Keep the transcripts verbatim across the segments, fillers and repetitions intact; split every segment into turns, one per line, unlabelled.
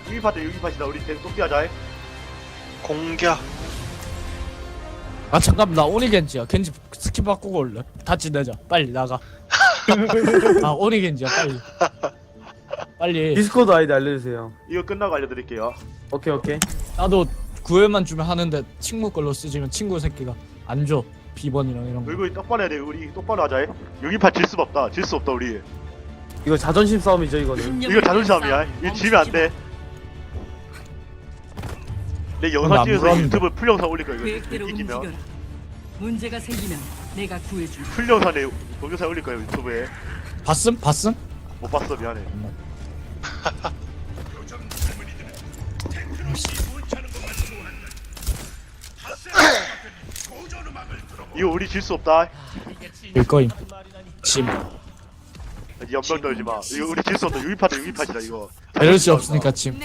유기파트 유기파트다. 우리 계속 똑띠하자.
공격.
아 잠깐 나 오니 겐지야. 겐지 스킨 바꾸고 올래. 같이 내자. 빨리 나가. 아 오니 겐지야 빨리. 빨리.
디스코드 아이디 알려주세요.
이거 끝나고 알려드릴게요.
오케이 오케이.
나도 구회만 주면 하는데 친구 걸로 쓰지면 친구 새끼가 안 줘. 비번이랑 이런 거.
얼굴이 똑바로 해야 돼. 우리 똑바로 하자. 유기파 질 수 없다. 질 수 없다 우리.
이거 자존심 싸움이죠 이거는.
이거 자존심이야. 이거 지면 안 돼. 내 영상
안
찍어서
물었는데.
유튜브 풀 영상 올릴 거야. 이거
계획대로
이기면
움직여라. 문제가 생기면 내가 구해줄.
풀 영상에 동영상 올릴 거야 유튜브에.
봤음? 봤음?
못 봤어 미안해. 이거 우리 질 수 없다.
일거임. 심.
이 연병 떨지 마. 이거 우리 질 수 없다. 유기파트 유기파트다 이거.
이럴 수 없으니까 심.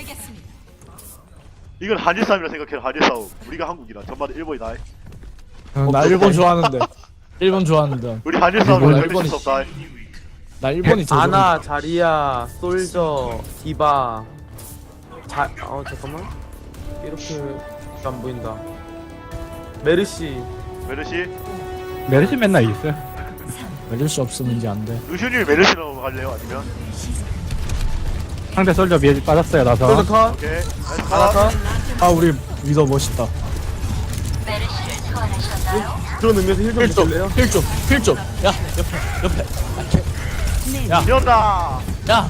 이건 한일 싸움이라 생각해. 한일 싸움. 우리가 한국이라 전반은 일본이다.
어, 나 일본 좋아하는데. 일본 좋아하는데.
우리 한일 싸움이라
일본,
절대 질수 없다.
나 일본이 제일
아나, 자리야, 솔저, 디바. 자, 어 잠깐만. 이렇게 안 보인다. 메르시.
메르시.
메르시 맨날 있어요.
이럴 수 없으면 이제 안 돼.
루시님 메르시로 갈래요? 아니면?
상대 솔저 미에 빠졌어요, 나서.
솔저 컷.
오케이. 나이스
아나
컷.
컷.
아 우리 위더 멋있다.
그런 의미에서 힐좀
힐 좀,
주실래요?
힐 좀, 힐 좀. 야 옆에, 옆에. 야,
미온다.
야.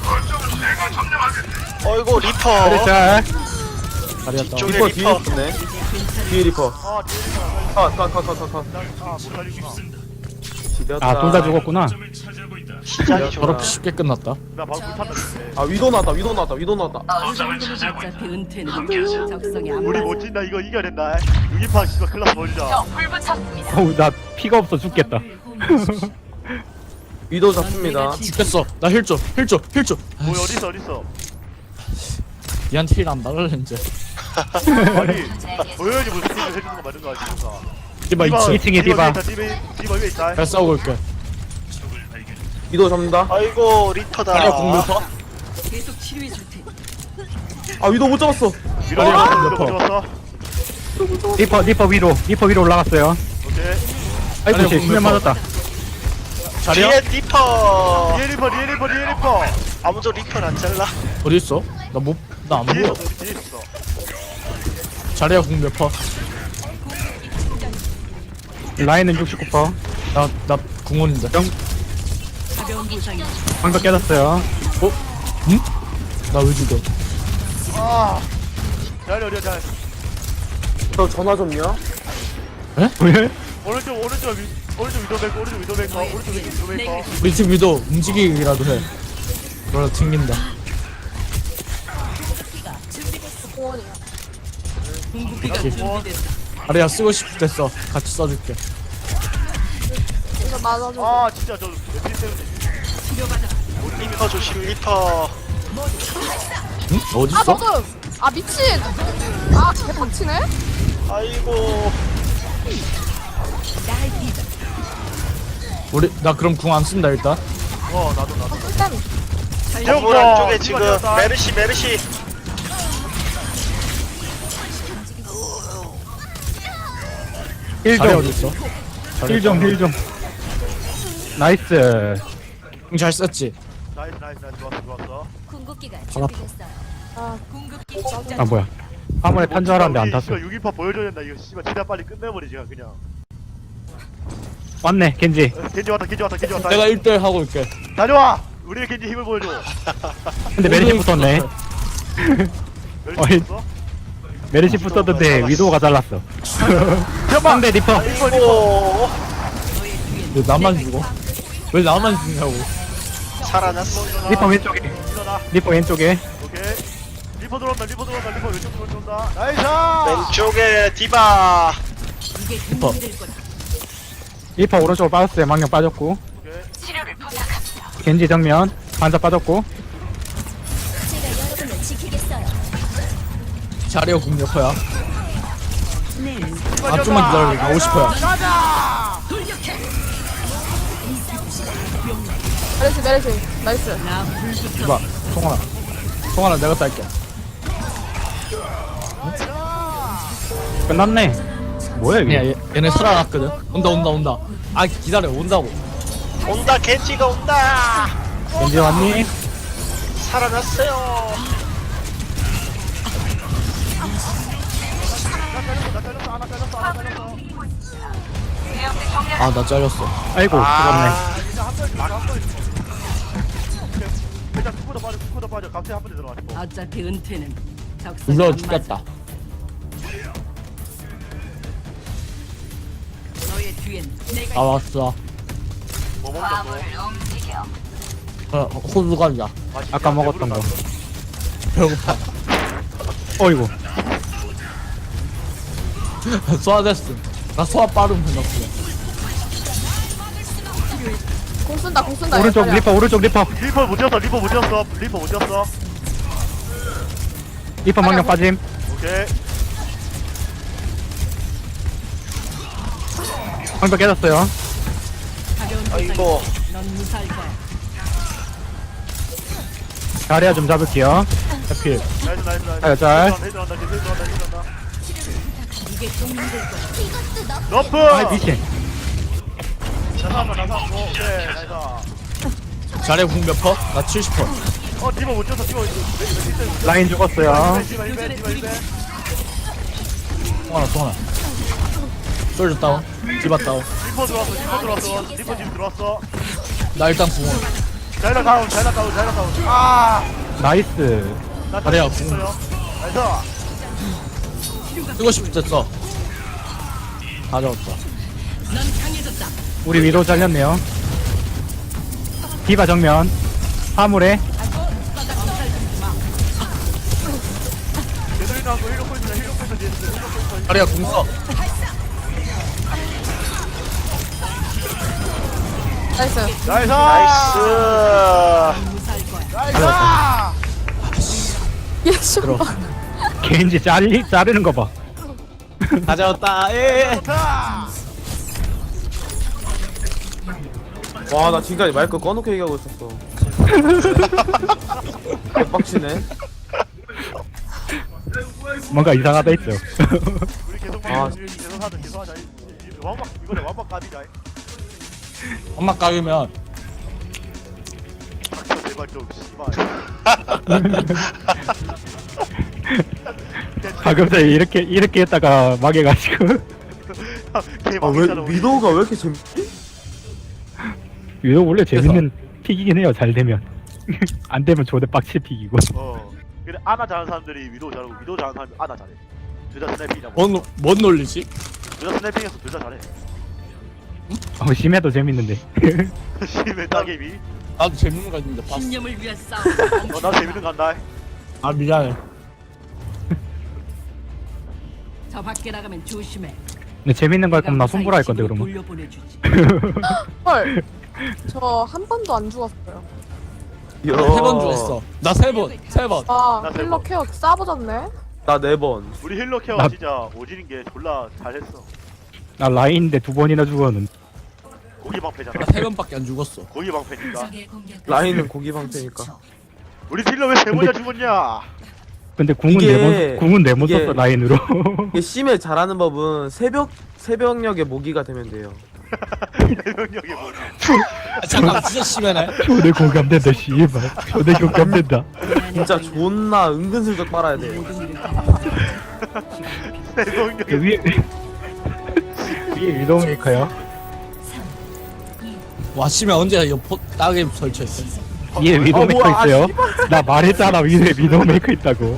어이구 리퍼.
메르시 잘.
다리였다.
뒤쪽에
리퍼 뒤에
리퍼.
있네. 뒤에 리퍼.
아, 뒤에
컷, 컷, 컷, 컷, 컷, 컷.
아, 못 살리구나.
지렸다.
아, 둘 다 죽었구나.
시작이 좋아.
저렇게 쉽게 끝났다.
나 방금 불탔다. 근데.
아, 위도 나왔다, 위도 나왔다, 위도 나왔다.
이 정도면 어차피 은퇴는 적성에 안
우리
맞아.
못 진다. 이거 이겨야 된다. 유기파 씨발 클라스 버리자.
어우, 나 피가 없어 죽겠다.
위도 잡습니다.
죽겠어. 나 힐 좀, 힐 좀, 힐 좀.
뭐 어딨어 어딨어.
니한테 힐안 박을래 이제.
아니 보여야지 무슨 스킬을 해주는 거 맞는 거 아십니까?
디바 있지.
이 층에 디바.
디바 디바 위에 있다.
잘 싸우고 올게.
위도 잡는다.
아이고 리퍼다.
다리야 공격파.
계속 치료해 줄 테니.
아, 위도 못 잡았어.
밀어내봤어.
몇
밀어내봤어.
리퍼, 리퍼 위로, 리퍼 위로 올라갔어요.
오케이.
아이고,
아니요,
쟤 수면
공격파.
맞았다.
자리야?
뒤에 리퍼.
리에 리퍼 리에 리퍼 리에 리퍼.
아무도 리퍼를 안 잘라.
어디 있어? 나 못, 나 안
뒤에
보여.
있어. 뒤에 있어.
자리야 공격파.
라인은 육십구 퍼센트.
나, 나 궁원인데.
가벼운 부상이
방벽 깨졌어요.
응? 나 왜 죽어?
아. 잘 어려 잘.
저 전화 좀요.
왜?
오른쪽 오른쪽 위 오른쪽 위도백 오른쪽 위도백 오른쪽 위도백.
우리 팀 위도 움직이기라도 해. 그러다 튕긴다.
궁극기가
오케이.
준비됐다.
자리야 쓰고 싶을 때 써. 같이 써줄게.
이거 맞아줘.
아 진짜 저 며칠 때문에.
치료받아.
리퍼 조심 리퍼.
응? 어디
아
있어?
먹음. 아 미친. 아 개빡치네.
아이고.
우리 나 그럼 궁 안 쓴다 일단.
어 나도 나도.
일단
건물 안쪽에 지금 메르시 메르시.
힐
자리
좀,
어디 있어?
힐 좀, 힐 좀. 나이스.
궁잘 썼지.
나이스 나이스 나이스 좋았어 좋았어.
궁극기가
발 아파.
준비됐어요.
궁극기
아, 뭐야. 화물에 탄 줄 알았는데 안 탔어.
씨발 유기파 보여줘야 된다. 이거 씨발 최대한 빨리 끝내버리지 그냥.
왔네, 겐지.
어, 겐지 왔다 겐지 왔다 겐지 왔다.
내가 일 대 일 하고 올게.
다녀와. 우리의 겐지 힘을 보여줘.
근데 메르시 붙었네.
멸치
어이.
있어?
메르시 붙었는데 위도우가 잘랐어. 상대 리퍼.
아이고.
왜 나만 죽어? 왜 나만 죽냐고.
살아났어.
리퍼 왼쪽에.
일어나.
리퍼 왼쪽에.
오케이. 리퍼 들어온다 리퍼 들어온다 리퍼 왼쪽으로 들어온다. 나이스.
왼쪽에 디바.
이게
리퍼.
준비될 거다.
리퍼 오른쪽으로 빠졌어요. 망령 빠졌고.
오케이.
겐지 정면. 반사 빠졌고.
제가 여러분을 지키겠어요.
자리야 공격파야.
네.
아 좀만 기다려. 나 오십 퍼야.
메르시 메르시 나이스.
나 불붙어.
이봐. 송하나. 송하나 내가 딸게.
끝났네. 뭐야
야,
이게?
얘, 얘네 살아났거든. 온다 온다 온다. 아 기다려 온다고.
온다 겐지가 온다.
언제 왔니?
살아났어요.
아 나 잘렸어.
아이고 죽었네.
아,
일단 스쿼드 빠져 스쿼드 빠져 갑자기 한 번에 들어가지고
어차피 은퇴는 적성에
불러
안 맞아.
죽겠다.
너의 뒤엔 내가
아 왔어.
뭐 먹자 뭐
어, 호두 감자.
아까 먹었던 거.
배고파.
어이구.
소화됐어. 나 소화 빠름 해놨어.
공 쓴다 공 쓴다.
오른쪽
얘들아.
리퍼 오른쪽 리퍼.
리퍼 못 뛰었어 리퍼 못 뛰었어 리퍼 못 뛰었어
리퍼 망령 빠짐.
오케이
방벽 깨졌어요.
가벼운
아이고.
넌 무사할 거야.
자리야 좀 잡을게요. 하필.
나이스 나이스 나이스
아, 잘.
헤드 한다 헤드 한다 헤드 한다
이게 좀 힘들 거야.
이것도 너
너프
아 미친.
나사한다 나사 오케이 나이스
자네 궁몇 퍼? 나 칠십 퍼.
어 리퍼 못 뛰었어 리퍼
라인 죽었어요.
디바 일배 디바 일배
통하나 통하나. 솔져 다운. 디바 다운.
리퍼 들어왔어 리퍼 들어왔어 리퍼 지금 들어왔어
나 일단 궁원.
자이라 다운 자이라 다운 자이라 다운 아나
나이스.
자리야,
있어요 나이스
쓰고 싶을 때 써. 다 잡았다.
넌 강해졌다.
우리 위로 잘렸네요. 디바 정면. 화물에.
제대로 나온 거 힐러 포인트다 힐러 포인트 뒤에 있어 힐러 포인트
자리야 궁 써.
나이스.
나이스
나이스.
무사할 거야.
나이스
얘 씨발.
겐지 자리 자르는 거 봐.
다 잡았다. 예.
좋다
와 나 지금까지 마이크 꺼놓고 얘기하고 있었어. 개빡치네.
뭔가 이상하다 했죠.
우리 계속
아.
막 계속 하자 계속 하자 이- 이- 완박 이거네 완박 까비자
엄마 까이면
닥쳐 제발 좀 씨발
방금 전에 이렇게 이렇게 했다가 망해가지고.
걔
아왜
망했잖아 우리.
위도우가 왜 이렇게 재밌지?
유독 원래 재밌는 픽이긴 해요. 잘 되면. 안 되면 조대 빡치 픽이고.
어 근데 아나 잘하는 사람들이 위도우 잘하고 위도우 잘하는 사람이 아나 잘해 둘 다 스나이핑이다
뭔, 뭔 논리지?
둘다 스나이핑해서 둘 다 잘해
어, 심해도 재밌는데.
심해 따개비
나도 재밌는 거 있는데 봤어.
신념을 위한 싸움.
어나 재밌는 거 한다
아 미안해.
저 밖에 나가면 조심해.
근데 재밌는 거 할 거면 나 손보라 할 건데
집으로
그러면.
돌려보내주지.
헐. 저 한 번도 안 죽었어요.
이야.
세 번 죽었어. 나 세 번. 세 번.
아
나
힐러
대박.
케어 싸버졌네.
나 네 번.
우리 힐러 케어
나-
진짜 오지는 게 졸라 잘했어
나 라인인데 두 번이나 죽었는데.
고기 방패잖아
나 세 번밖에 안 죽었어.
고기 방패니까
라인은 고기 방패니까.
우리 힐러 왜 세 번이나 죽었냐
근데 궁은
이게-
네번 궁은 네 번
이게-
썼어 라인으로.
이게 심해 잘하는 법은 새벽 새벽녘에 모기가 되면 돼요.
대명령이 뭐지
아, 잠깐 진짜 심하네.
초대 공감된다 씨발. 초대 공감된다.
진짜 존나 은근슬쩍 빨아야 돼요.
그
대명령이
위에 위에 위도메이커요.
와 씨면 언제 옆 따개 설치했어?
위에 위도메이커
어, 뭐야, 아,
있어요. 나 말했잖아 위에 위도메이커 있다고.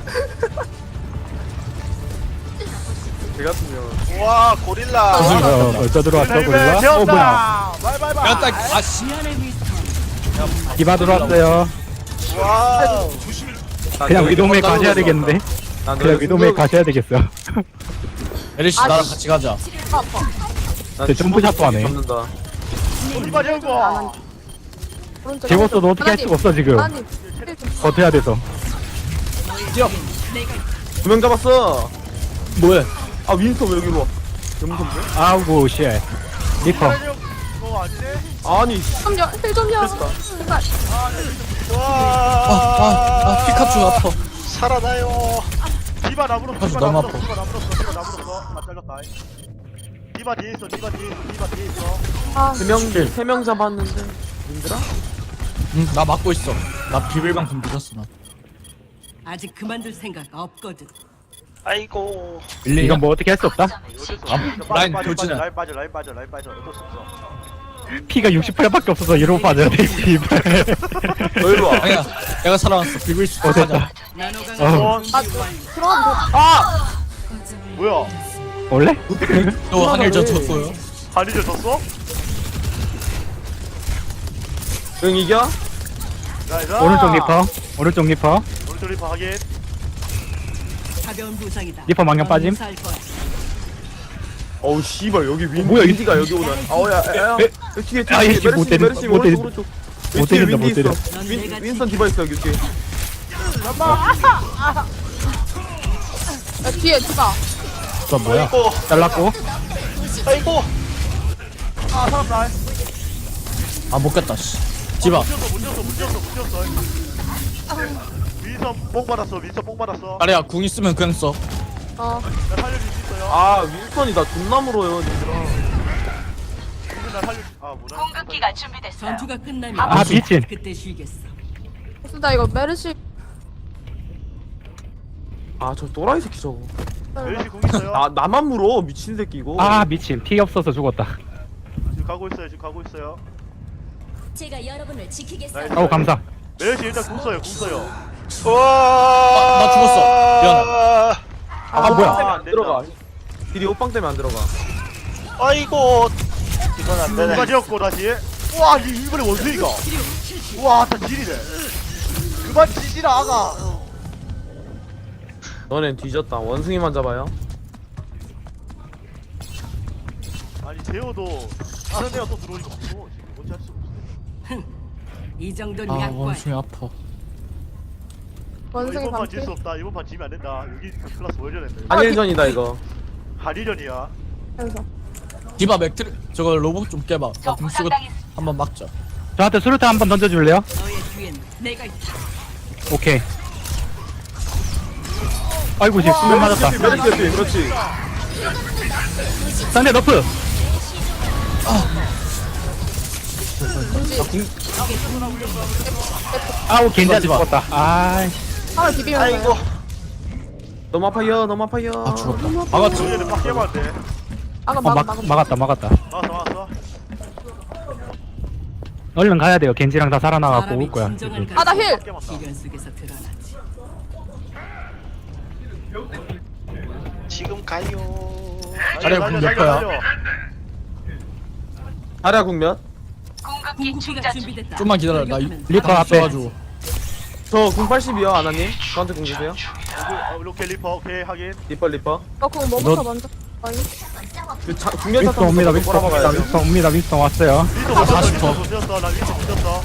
제 같으면
와 고릴라.
어, 벌써 들어왔어 고릴라. 어 뭐야?
바이바이바이
야따 아씨.
미안해 미스터.
디바 들어왔어요.
와우.
그냥 위도메이커 가셔야 되겠는데.
난
그냥 위도메이커 가셔야 되겠어.
에리씨
아,
나랑
씨.
같이 가자.
아파 아파.
저 점프샷도 안 해.
잡는다.
이봐 재우고
오른쪽.
재웠어도 어떻게 할 수가 없어 지금.
아니. 힐 좀-
버텨야 돼서.
뛰어.
두 명 잡았어.
뭐해?
아 윈스터 왜 여기로 와? 영선데?
아우고 쉣. 리퍼.
어 아니네
아니
좀 여, 힐좀 여. 제발.
아, 아, 아 피카츄 아파.
살아나요.
디바 나무로
아주
디바
너무
나무로
아파.
디바 나무로 디바 나무로 나 잘렸다. 디바 뒤에 있어 디바 뒤에 있어 디바 뒤에 있어.
아,
세명 세 명 잡았는데 힘들어?
응나 막고 있어. 나 비밀방송 늦었어 나.
아직 그만둘 생각 없거든.
아이고.
일리
이건 뭐 어떻게 할 수 없다.
아, 라인 돌진해.
라인 빠져 라인 빠져 라인 빠져 어쩔 수 없어.
피가 육십팔 밖에 없어서 이러고 빠져야 돼. 씨발.
너 이리 와.
아니야 내가 살아났어. 비빌 수
어
있어.
됐다.
나노강
어.
들어가면
뭐야?
원래?
또 한일전 졌고요.
한이를 졌어?
응 이겨?
나이스.
오른쪽 리퍼. 오른쪽 리퍼.
오른쪽 리퍼 확인.
가벼운 부상이다.
리퍼 망령
넌
빠짐.
무사할 거야.
어우 씨발 여기 윈
뭐야, 이-
윈디가 여기 오네. 아우야 야야.
에?
뒤에 뒤에
아,
뒤에
얘 못
메르시
때린-
메르시
못 때린-
오른쪽 오른쪽.
못
왼쪽에
때린다, 못
윈디
때려.
있어. 윈 윈스턴 디바 있어 여기 뒤에.
야, 뒤에 디바.
저 뭐야?
아이고.
잘랐고.
아이고.
아 살았다.
아 못겠다 씨. 디바.
못 졌어 못 졌어 못 졌어 못 졌어. 윈선 뽕 받았어 윈선 뽕 받았어.
아래야 궁 있으면 그냥 써.
어,
나 살려줄 수 있어요.
아 윈스턴이 나 존나 물어요 얘들아.
나 살려줄. 아 뭐라.
전투가 끝나면
아, 미친.
그때 쉬겠어.
나 이거 메르시.
아 저 또라이 새끼 저거.
멜시 공 있어요.
나 나만 물어 미친 새끼 이거.
아 미친. 피 없어서 죽었다.
지금 가고 있어요 지금 가고 있어요.
제가 여러분을 지키겠어요.
나이스.
어우 감사.
멜시 일단 궁 써요 궁 써요.
와.
나 죽었어. 미안해.
아,
아,
뭐야?
안
안
된다.
들어가. 딜이 옷방 때문에 안 들어가.
아이고. 이건 안 되네.
누가 지었고 다시. 우와 이 이번에 원숭이가. 우와 다 지리네. 그만 지지라 아가.
너넨 뒤졌다. 원숭이만 잡아요.
아니 제어도 다른 애가 또 들어오니까 없어. 지금 어찌할 수 없어.
이 정도는
아
약관.
원숭이 아파.
원숭이
이번 판
반피.
질 수 없다. 이번 판 지면 안 된다. 여기 클라스 월전했네.
한일전이다 이거.
한일전이야.
그래서.
디바 맥트리 저거 로봇 좀 깨봐. 나궁 쓰고 한번 막자.
저한테 수류탄 한번 던져줄래요?
너의 뒤엔 내가 있다.
오케이. 아이고 씨 수면 맞았다.
메르시 옆에 그렇지.
상대 너프. 아우 겐지한테 죽었다. 아
하나 비비면 돼.
아이고.
너무 아파요 너무 아파요.
아 죽었다. 막았지.
얘는 막 깨면 안 돼.
아까
어,
막,
막,
막,
막았다 막았다.
막았어 막았어.
얼른 가야 돼요. 겐지랑 다 살아나갖고
사람이
올 거야.
진정한
아, 나 힐!
막 깨면 다.
시련 속에서 드러나지.
지금 가요.
자리야,
달려,
궁
달려,
몇 거야?
달려.
아라 국면.
궁극기가 준비됐다.
좀만 기다려. 나
리퍼
다
앞에.
있어가지고.
저궁 팔십이요 아나님. 저한테 궁 주세요.
어, 로켓 리퍼 오케이 하긴.
리퍼 리퍼.
어, 그거 뭐부터
너-
먼저. 아니.
그 자, 국면
윈스턴 옵니다. 윈스턴 옵니다.
꼬라박아야 돼.
윈스턴 옵니다. 윈스턴 왔어요.
윈터
아,
못
사십
쳤어
퍼.
윈터 못 쳤어. 나 윈터 못 쳤어.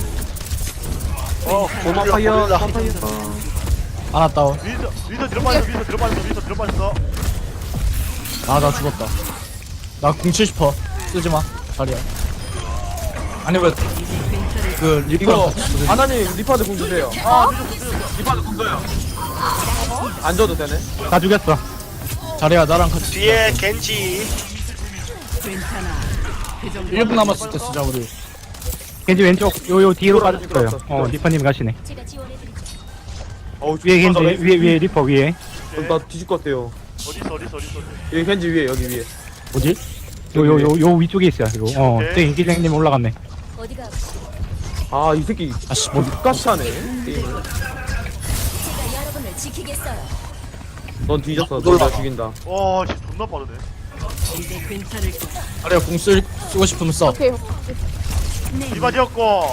어 너무 아파요 너무 아파요.
하나 다운.
윈터 윈터 들어빠졌어 윈터 들어빠졌어 윈터 들어빠졌어.
아 나 죽었다. 나 궁 칠십 퍼 쓰지 마. 자리야. 아니 왜그
이거
리퍼
아나님 리퍼한테 궁 주세요.
아 윈터 못 쳤어.
리퍼한테 궁 줘요. 안 줘도 되네.
다 죽였어.
자리야 나랑 같이.
뒤에 겐지.
괜찮아. 그 정도.
일 분 남았을 때 쓰자 우리.
겐지 왼쪽 요요 뒤로
들어왔어,
빠졌어요.
들어왔어.
어 리퍼님 가시네.
제가 지원해드리죠.
어우
위에 겐지
죽겠다,
위에 위에 리퍼 위에.
오케이.
나 뒤질 것 같아요.
어디 있어 어디 있어 어디 있어.
여기 겐지 위에 여기 위에.
뭐지?
요 요 요 요 위쪽에 있어요. 이거. 어,
오케이.
저 인기장님 올라갔네.
어디가
아 이 새끼
아씨 뭐
똑같이 하네 게임을.
제가 여러분을 지키겠어요.
넌 뒤졌어. 너
놀라워.
나 죽인다.
와 씨, 존나 빠르네.
이제 괜찮을 거야.
자리야 궁 쓸, 쓰고 싶으면 써.
오케이.
디바 지었고.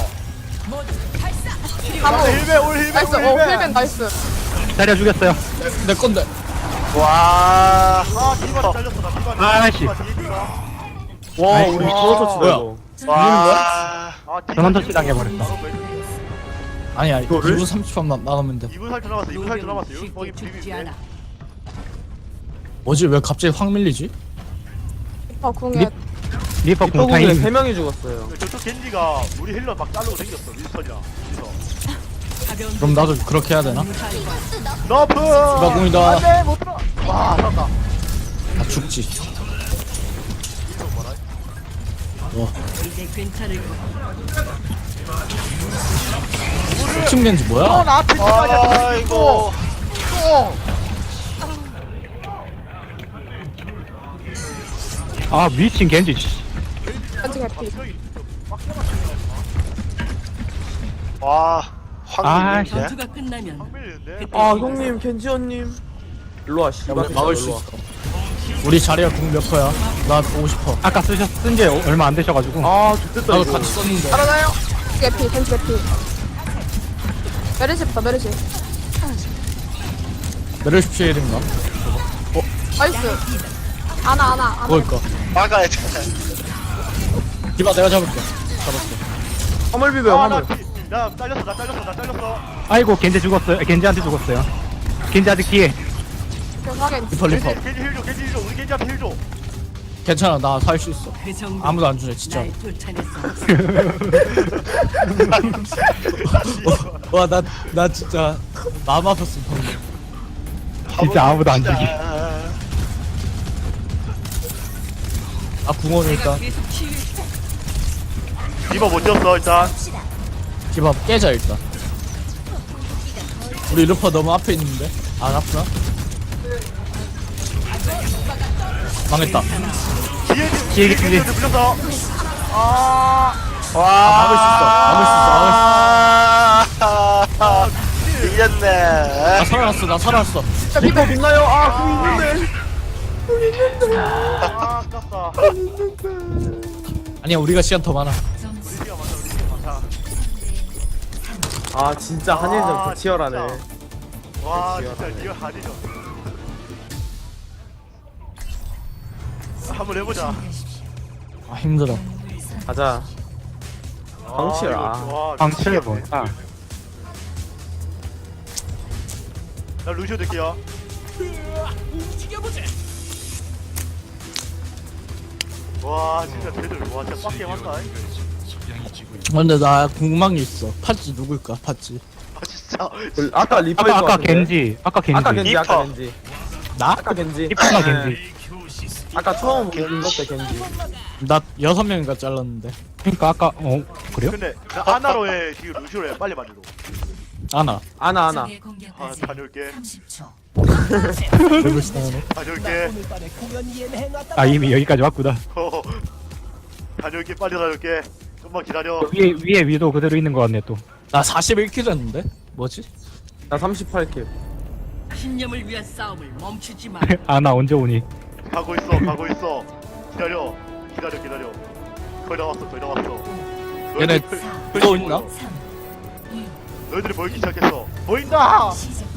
가보.
힐베 올 힐베
나이스.
올
어,
힐베.
힐벤 나이스.
자리야 죽였어요.
내 건데.
와.
아 디바 잘렸어 나 디바.
아, 씨.
디바 뒤에 디바.
와
아이고.
우리 전원 터치다
뭐야?
이거.
와.
아 디바
전원
뒤에
터치 당해버렸다.
아니야
이거를?
이 분 삼십 초만 나가면 돼.
이 분 살짝 남았어 이 분 살짝 남았어 여기
쉽게
거기
죽지
비비면
않아.
돼.
뭐지 왜 갑자기 확 밀리지?
어, 궁에.
리- 리퍼
리퍼 궁에
공타임.
세 명이 죽었어요.
저쪽 겐지가 우리 힐러 막 자르고 생겼어 윈스턴이랑. 그래서
가벼운
그럼 나도 그렇게 해야 되나?
무사할 거야.
너프
디바공이다.
안돼 못 들어 와 살았다
아 죽지.
이제 괜찮을 거야.
층 겐지
또
뭐야?
나한테 들어가냐
아이고.
또
아 미친 겐지 씨.
겐지 개피.
와,
아,
황금인데.
전투가 끝나면
밀리는데
아 형님 겐지언님 일로와 씨발
막을 수
일로와.
있어. 우리 자리가 궁 몇 퍼야? 나 보고 싶어.
아까 쓰셨 쓴지 얼마 안 되셔가지고.
아 좋겠다
나도
이거
같이 썼는데.
개피 겐지 개피. 메르시부터 메르시.
메르시 피해인가?
나이스. 아나 아나 아나.
그걸까?
막아야 돼.
디바 내가 잡을게. 잡았어.
화물 비벼 화물
아나나 잘렸어 나 잘렸어 나 잘렸어
아이고 겐지 죽었어요. 겐지한테 죽었어요. 겐지 아직 뒤에.
확인.
리퍼 리퍼.
겐지 겐지 힐줘 겐지 힐줘 우리 겐지한테 힐줘
괜찮아 나 살 수 있어.
그 정도
아무도 안 주네 진짜.
날 쫓아냈어.
와 나 나 진짜 마음 아팠어 방금.
진짜 아무도 안 죽이.
아 궁원 일단
계속 치유.
리버 못 졌어 일단
디바 깨자 일단. 우리 루퍼 너무 앞에 있는데 안 아프나? 망했다.
뒤에
뒤에
뒤에
겐지.
겐지 물렸어 아
와, 막을 수 있어. 밀렸네.
나 살아났어 나 살아났어.
리퍼 빛나요 아궁 있는데
아, 아깝다
아니야 우리가 시간 더 많아.
우리가 많아 우리가 많아
아 진짜 한일전
아,
더 치열하네
와 진짜 리얼 한이죠 한번 해보자
아 힘들어.
가자 광칠, 아.
와,
방칠
미치겠네.
뭐야?
나 루시오 될게요 와 진짜 쟤들 와 진짜 빡게 한다
근데 나 궁금한 게 있어. 팥지 누굴까 팥지?
아 진짜
그, 아까 리퍼일
아까
것
아까
같은데?
겐지. 아까 겐지.
아까 겐지 아까
리퍼.
겐지
나?
아까 겐지
리퍼가
네.
겐지.
아까 처음 본것때 겐지
나 여섯 명인가 잘랐는데.
그러니까 아까 어 그래요?
근데 나 아나로 해 지금 루시오로 해 빨리 만들어
아나.
아나 아나
아 다녀올게
레벨 스타네.
다녀올게
아 이미 여기까지 왔구나.
어, 다녀올게 빨리 다녀올게 좀만 기다려
위에 위에 위도 그대로 있는 것 같네 또.
나 사십일 킬 했는데? 뭐지?
나 삼십팔 킬
신념을 위한 싸움을 멈추지 마.
아나 언제 오니?
가고 있어 가고 있어 기다려 기다려 기다려 거의 다 왔어 거의 다 왔어
얘네
너희들-
또 있나?
너희들이 보이기 시작했어 보인다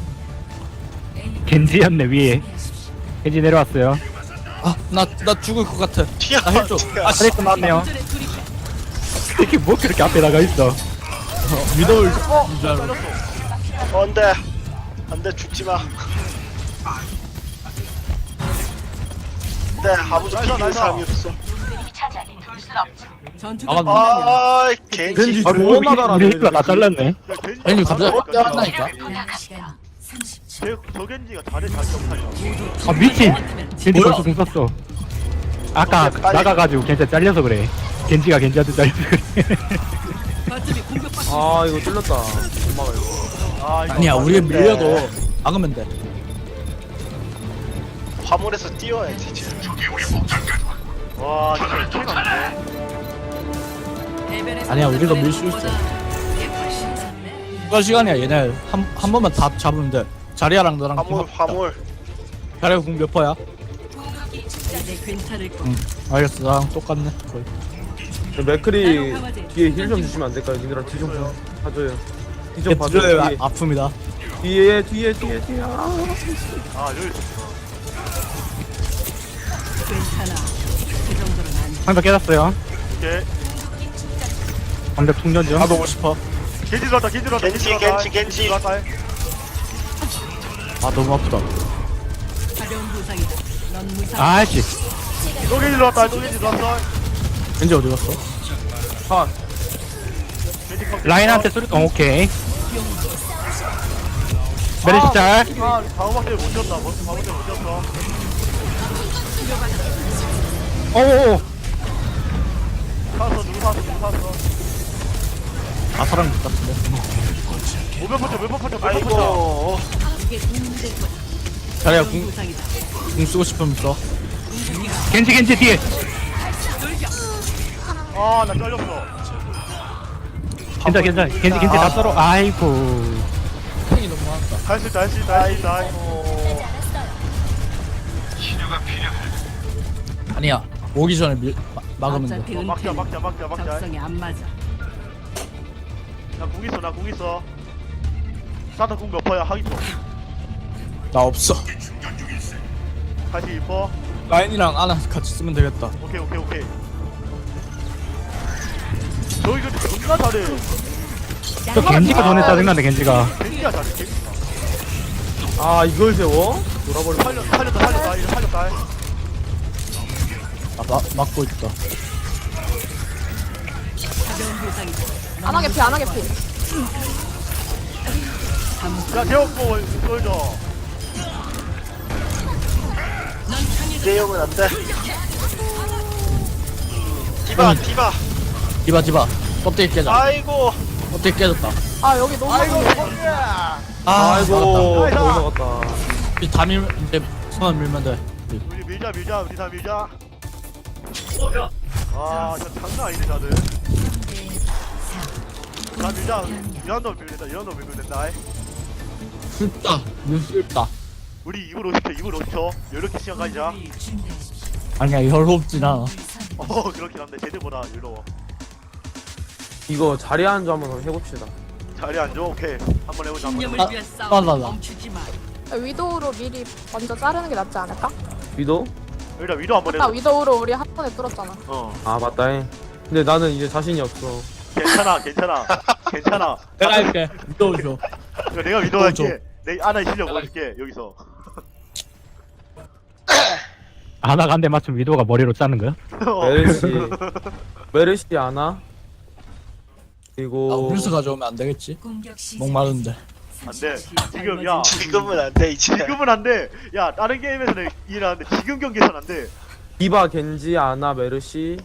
겐지였네 위에. 겐지 내려왔어요.
아 나 나 죽을 것 같아.
튀어.
나 헬 줘. 아 씨.
아레크 나왔네요.
전에 둘이
이게 뭐 그렇게 앞에 나가 있어?
미도울
어
줄 알고.
잘렸어
안돼. 안돼 죽지 마. 네, 아무도
나이스,
비기는
나이스.
사람이 없어.
전투가
아,
끝나면
아, 겐지.
겐지
아,
존나
우리
잘하네
우리 힐러 다 잘랐네.
야, 겐지
아니 갑자기
잘하니까 진짜.
떼었나니까.
쟤- 저 겐지가 잘해 잘 점사냐
아 미친. 겐지
뭐야?
벌써 공 썼어. 아까
빨리.
나가가지고 겐지 잘려서 그래. 겐지가 겐지한테 잘려서 그래.
거점이 공격받고
아 이거 뚫렸다 못 막아 이거
아, 이거
아니야 우리
맞는데.
밀려도 막으면 돼.
화물에서 뛰어야지 지금.
와 진짜 차이가 안돼
대변에서
아니야, 우리도 밀수 있어.
이게 훨씬 좋네.
추가 시간이야 얘네 한, 한 번만 다 잡으면 돼. 자리아랑 너랑 팀
화물,
합시다.
화물.
자리아 궁 몇 퍼야?
이제 괜찮을 거야.
응 알겠어 나랑 똑같네 거의.
저 맥크리 뒤에 힐 좀 주시면 안 될까요? 니들아 뒤좀 봐줘요 뒤 좀 봐줘요
뒤에
뒤에.
아, 아픕니다.
뒤에 뒤에 뒤에 뒤에 아.
아 여기
괜찮아. 그 정도는 안 돼.
방금 깨졌어요.
이렇게
방금 충전 중.
나도 오고 싶어.
겐지 들어왔다 겐지 들어왔다
겐지,
들어왔다.
겐지, 겐지.
들어왔다.
아 너무 아프다.
가벼운 부상이다. 넌 무상.
아씨.
또 겐지 들어왔다 또 겐지 들어왔어
왠지 어디 갔어?
아
겐지 컷.
라인한테 소리. 어, 오케이. 메르시 짤.
아 바보밖에 못 졌다 벌써 바보밖에 못 졌어
오오오.
살았어 누구 살았어 누구 살았어
아 사람 것 같은데.
몇번 퍼져 몇번 퍼져 몇번 퍼져
아이고
이게 도움될 거야.
자리야
그런
궁,
부상이다.
궁 쓰고 싶으면 써.
겐지 겐지 뒤에.
아나 잘렸어
괜찮아 괜찮아. 겐지 겐지 다 썰어. 아이고.
탱이 너무 많다.
할 수 있다 할 수 있다 할 수 있다
끝나지 않았어요.
아니야. 오기 전에 밀, 마, 막으면 돼.
어차피
어, 막자
은퇴는
막자 막자 막자
적성에 안 맞아.
나궁 있어 나궁 있어 사타 궁몇 퍼야 하기 좀
나 없어.
다시 이퍼
라인이랑 아나 같이 쓰면 되겠다.
오케이 오케이 오케이 저기 근데 존나 잘해
저 겐지가 전에 짜증나네 겐지가.
겐지야 잘해 겐지가
아 이걸 세워? 돌아버려.
살렸, 살렸다 살렸다 이거 살렸다
아 마, 막고 있다.
가벼운 부상이다.
안 하게 피, 안 하게 피.
야 재웠고 쏠져
내용은 안돼 디바 디바
디바 디바. 껍데기 깨자.
아이고
껍데기 깨졌다.
아, 여기 너무
아이고
많은데.
성재야
아,
아이고
나이스.
거기 먹었다.
우리 다 밀, 이제 손을 밀면 돼.
우리 밀자 밀자 우리 다 밀자 아 진짜 장난 아니네 다들 다 밀자 이런 놈 밀면 된다 이런 놈 밀면 된다
슬다. 눈 슬다.
우리 이불 오십 초 이불 오십 초 이렇게 시간 가지자
아니야, 여롭진 않아.
어 그렇긴 한데 쟤들보다 유로워
이거 자리 앉아 한번 해봅시다.
자리 앉아 오케이 한번 해보자 한번
신념을
아,
위한
아,
싸움
나, 나.
멈추지 마.
위도우로 미리 먼저 자르는 게 낫지 않을까?
위도?
일단 위로 한번
아까
해보자
위도우로 우리 한 번에 뚫었잖아.
어
아 맞다잉. 근데 나는 이제 자신이 없어.
괜찮아 괜찮아 괜찮아
내가 할게. 믿어줘.
이거 내가 위로
어,
할게 내 아나의 실력 보여줄게 여기서
아나가 한 대 맞추면 위도가 머리로 짜는 거야?
어.
메르시 메르시 아나
아,
그리고
음료수 가져오면 안 되겠지?
공격 시작.
목마른데.
안돼 지금 야
지금은 안돼 이제
지금은 안돼 야 다른 게임에서는 이해하는데 지금 경기에서는 안돼
디바 겐지 아나 메르시.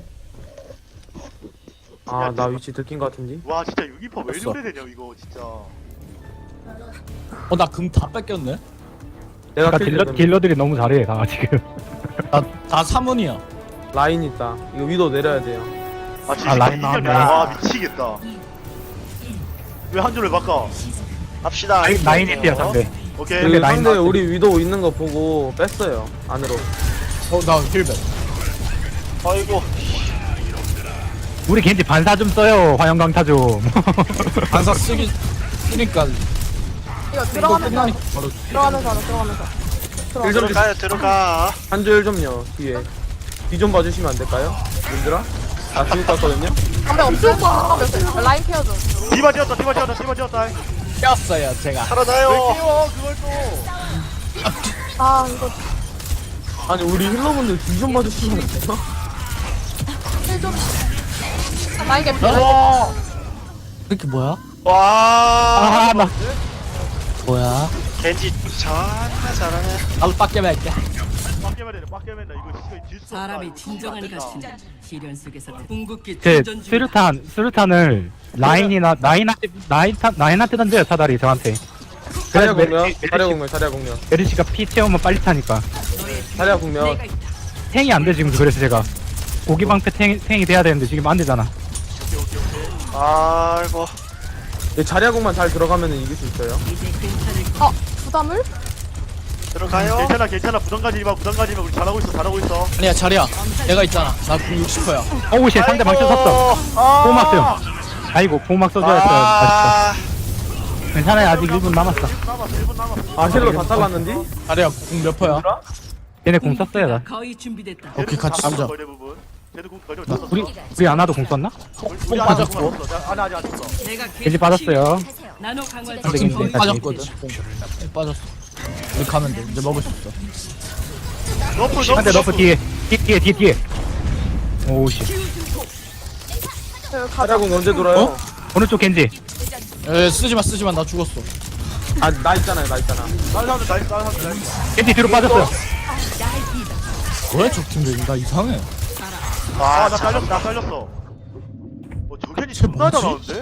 아 나 위치 들킨 것 같은데.
와 진짜 유기퍼 왜
없어.
이래 되냐 이거 진짜
어, 나 금 다 뺏겼네?
내가
아까
킬
딜러,
때문에.
딜러들이 너무 잘해 다 지금.
나, 다 사문이야.
라인 있다. 이거 위도 내려야 돼요.
아 진짜
아, 라인
이겼네
나왔네.
와 미치겠다 왜 한 줄을 바꿔
합시다
라인 라인이 뛰어 상대.
오케이
근데
그
라인
상대
나왔대.
우리 위도 있는 거 보고 뺐어요 안으로.
어, 나 힐백.
아이고
우리 겐지 반사 좀 써요. 화영강타 좀.
반사 쓰기, 쓰니까.
이거
이거
들어가면서,
끝나니까 바로.
들어가면서 하자, 들어가면서. 들어가.
좀
들어가요 들어가
한 줄 좀요 뒤에. 뒤 좀 봐주시면 안 될까요? 님들아? 나 지금 땄거든요.
담배 없을 거 없어. 라인 케어 좀.
디바 지었다 디바 지었다 디바 지었다 왜
꼈어요, 제가.
살아나요
끼워 그걸 또
아, 이거
아니 우리 힐러분들 뒤 좀 봐주시면 안 돼요?
힐 좀. 라인 개피.
와
이렇게 뭐야?
와
아 나.
뭐야?
겐지 잘하네 잘하네
나도 빡게 할게.
빡게면 되네 빡게면 돼 이거 진짜 질수 없다
사람이
이거
진정한
진짜 안
것은
된다.
시련 속에서 궁극기
제
충전 중.
스루탄 스루탄을 라인이나 라인한테 라인한 라인한테 던져요 차다리 저한테.
자리야
그래서
공면,
메르시-
자리야 공면, 자리야 공면,
메르시가 피 채우면 빨리 차니까.
자리야 공면.
내가 있다.
탱이 안 돼 지금 그래서 제가 고기 방패 탱 탱이 돼야 되는데 지금 안 되잖아.
아이고
네, 자리야 공만 잘 들어가면 이길 수 있어요.
이제 괜찮을 거.
어, 부담을?
들어가요
괜찮아 괜찮아 부담 가지지 마 부담 가지지 마 우리 잘하고 있어 잘하고 있어
아니야, 자리야. 내가 있잖아. 나궁 육십 퍼야.
어우 씨 상대 방패 썼어.
아
보호막 씀. 아이고 보호막 써줘야 했어요.
아
아쉽다. 괜찮아요 아직 일 분 남았어.
일 분 남았어 일 분 남았어
아 힐러 다 잘랐는데?
자리야, 궁 몇 퍼야?
얘네 공 썼어요 나.
거의 준비됐다.
오케이, 같이
쟤도
쓰자.
거의 대부분 쟤도 공 거의
나
쳤어
우리 우리 아나도 공 썼나?
우리 아직 공 없어 자, 아나 아직 안 쳤어
내가
겐지 받았어요.
하세요.
나노 강화
근데
지금
겐지
뽕
다시.
빠졌거든. 뽕. 뽕 빠졌어. 우리 가면 돼. 이제 먹을 수 있어.
너프 너프
한대 너프 뒤에 뒤 뒤에 뒤에 뒤에. 오우 씨.
그
자리야
가자.
공 언제 돌아요?
오른쪽 겐지.
에, 쓰지 마, 쓰지 마. 나 죽었어.
아 나 있잖아요 나 있잖아.
다른 사람들 나이스 다른 사람들 나이스.
겐지 뒤로 빠졌어요.
왜 적팀들 나 이상해.
와,
아나
참.
잘렸어 나 잘렸어. 어 저캔이
쟤
존나
뭐지?
잘하는데?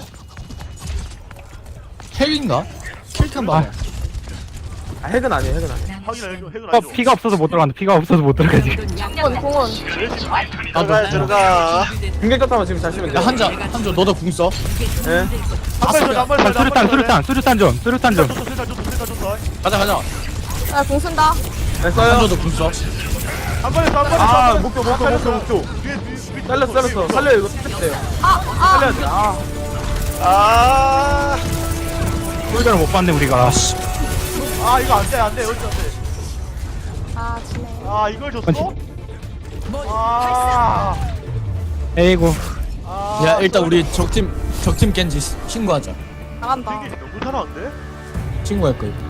핵인가? 킬탄 봐.
아 핵은 아니에요 핵은 아니에요.
확인해 핵은 핵은
어,
아니죠.
피가 없어서 못 들어간다. 피가 없어서 못 들어가 지금.
공원 공원.
들어가 들어가.
공격자타만 지금 잘 쓰면 돼요.
야 한자 한자 너도 궁 써.
예.
한 발에 한 발에
아, 수류탄, 수류탄, 수류탄 좀, 수류탄 좀.
줬어 수류탄 줬어 수류탄 줬어.
가자 가자.
야공 쓴다.
네, 써요.
한자도 궁 써.
한 발에 한 발에
아 목표 목표 목표 목표. 잘렸어 잘렸어. 살려 이거 뜯대요.
아아
살려야 돼. 아.
아,
홀더를 못 봤네 우리가.
아 이거 안돼 안돼 여기 안돼.
아 지네.
아 이걸 줬어? 아.
에이구.
아.
야 일단 우리 적팀 적팀 겐지 신고하자.
나간다.
이게 너무 잘하는데?
신고할 거야.